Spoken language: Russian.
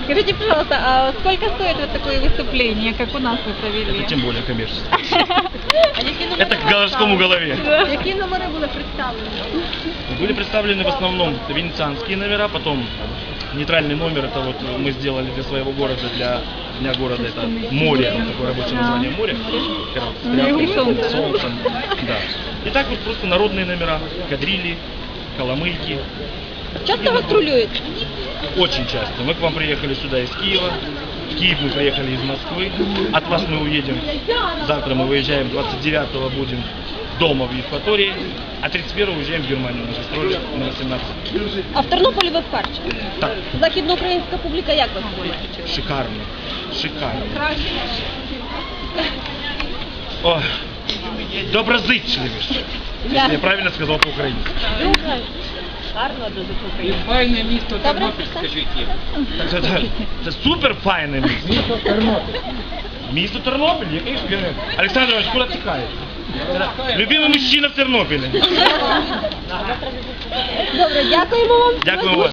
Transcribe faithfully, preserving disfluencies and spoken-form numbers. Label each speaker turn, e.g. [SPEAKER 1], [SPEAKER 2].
[SPEAKER 1] Скажите, пожалуйста, а сколько стоит вот такое выступление, как у нас вы провели?
[SPEAKER 2] Это тем более коммерчество. Это к городскому голове.
[SPEAKER 1] Какие номеры были представлены?
[SPEAKER 2] Были представлены в основном венецианские номера, потом нейтральный номер, это вот мы сделали для своего города, для дня города, это море, такое рабочее название море, с
[SPEAKER 1] солнце.
[SPEAKER 2] солнцем, да. И так вот просто народные номера, кадрили, коломыйки.
[SPEAKER 1] Часто гастролюете?
[SPEAKER 2] Очень часто. Мы к вам приехали сюда из Киева, в Киев мы приехали из Москвы, от вас мы уедем, завтра мы выезжаем, двадцать девятого будем дома в Евпатории, а тридцать первого уезжаем в Германию на гастроли на восемнадцать.
[SPEAKER 1] А в Тернополі ви вперше?
[SPEAKER 2] Так.
[SPEAKER 1] Західноукраїнська публіка як вас зустрічає?
[SPEAKER 2] Шикарно, шикарно. Ой, доброзичливіше, якщо я правильно сказав по-українськи.
[SPEAKER 1] Гарно дуже
[SPEAKER 3] І файне місто
[SPEAKER 1] Добре,
[SPEAKER 3] Тернопіль,
[SPEAKER 1] все.
[SPEAKER 3] скажіть їм.
[SPEAKER 2] Це, це, це супер файне місто.
[SPEAKER 3] Місто Тернопіль.
[SPEAKER 2] Місто Тернопіль, який ж я... Олександр Іванович, куди тікає? Любимий мужчина в Тернополі.
[SPEAKER 1] Добре, дякуємо вам.
[SPEAKER 2] Дякую вам.